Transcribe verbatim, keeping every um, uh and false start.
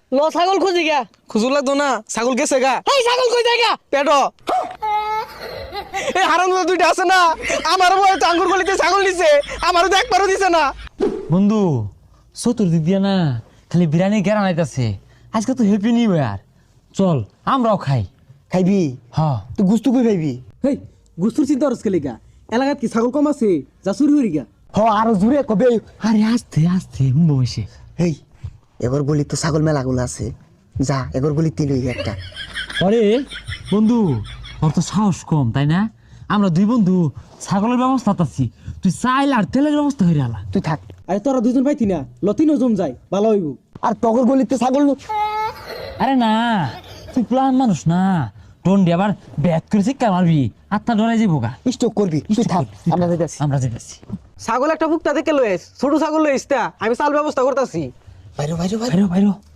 লো ছাগল খুঁজি গা। খুঁজু লাগতো না, ছাগল গেছে গা। এই ছাগল কই যায় গা? পেটো এই হারাম দুইটা আছে না, আমার বয় তো আঙ্গুর গলিতে ছাগল দিছে, আমারও তো একবারও দিছে না। বন্ধু চতুর্দিক দিয়ে না খালি বিরিয়ানি গেরা নাইতাছে। আজকে তো হ্যাপি নিউ ইয়ার, চল আমরাও খাই। খাইবি? হ্যাঁ তুই গুস্তু কই খাইবি? হেই গুস্তুর চিন্তা করছ কেলি গা? এলাকাত কি ছাগল কম আছে যা চুরি হরি গা? হ আরো জুড়ে কবে? আরে আস্তে আস্তে বসে। হেই এগর গলি তো ছাগল মেলাগুলো আছে, যা এগর গলি তিন হই একটা। আরে বন্ধু তোর তো সাহস কম তাই না? আমরা দুই বন্ধু ছাগলের ব্যবস্থা আছি, তুই চাইল আর তেলের ব্যবস্থা হয়ে আলা। তুই থাক। আরে তোরা দুজন পাইতি না, লতিনও জম যায় ভালো হইব। আর তগর গলিতে ছাগল আরে না তুই প্লান মানুষ না, টন্ডি আবার ব্যাট করে শিক্ষা মারবি, আত্মা ডরাই যাবো গা। স্টক করবি, তুই থাক, আমরা যাইতাছি। আমরা যেতেছি। ছাগল একটা বুকটা থেকে লইস, ছোট ছাগল লইস তা আমি চাল ব্যবস্থা করতেছি। বাইরে বাইরে বাইরে। বাইরো বাইরো